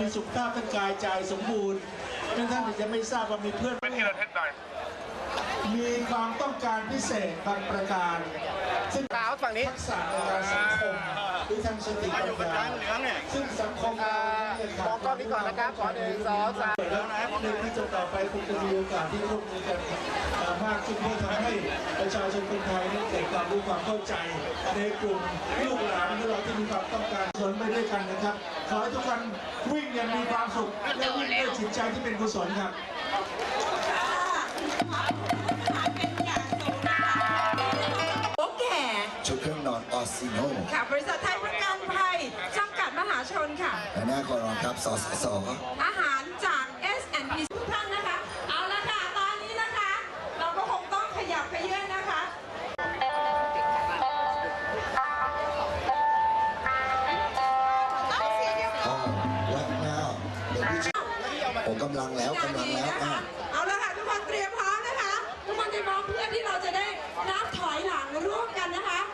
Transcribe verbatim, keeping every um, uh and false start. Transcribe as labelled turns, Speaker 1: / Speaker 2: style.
Speaker 1: มีสุขภาพร่างกายใจสมบูรณ์ท่านอาจจะไม่ทราบว่ามีเพื่อน
Speaker 2: เป็นที่เราเท็จหน่อย
Speaker 1: มีความต้องการพิเศษบางประการซึ่ง
Speaker 3: ฝั่งนี้
Speaker 1: ทักษะในการสังคมหรือทางสติปัญญาซึ่งสังคมเราเนี่ยขาด
Speaker 3: มองกล้องนี้ก่อนนะครับขอหนึ่งสองสาม
Speaker 1: แล้วในที่จะต่อไปคงจะมีโอกาสที่ร่วมมือกันมากขึ้นเพื่อทำให้ประชาชนคนไทยนั้นเกิดความรู้ความเข้าใจในกลุ่มลูกหลานของเราที่มีความต้องการสนไปด้วยกันนะครับขอให้ทุกท่านวิ่งอย่างมีความสุขและวิ่งด้วยจิตใจที่เป็นกุศลครับ
Speaker 4: ชุดเครื่องนอนออซิโน
Speaker 5: ค่ะบริษัทไทยประกันภัยจำกัดมหาชนค่ะ
Speaker 4: และหน้าคอรองครับสสส
Speaker 5: อาหารจาก เอส แอนด์ พี ทุกท่านนะคะเอาละค่ะตอนนี้นะคะเราก็คงต้องขยับขยื่นนะคะ
Speaker 4: อ๋อวัดหน้าเด็กผู้ชายโอ้กำลังแล้วกำลังแล้วอ่ะ
Speaker 5: เอาละค่ะทุกคนเตรียมพร้อมนะคะทุกคนจะมองเพื่อที่เราจะได้นับถอยหลังร่วมกันนะคะ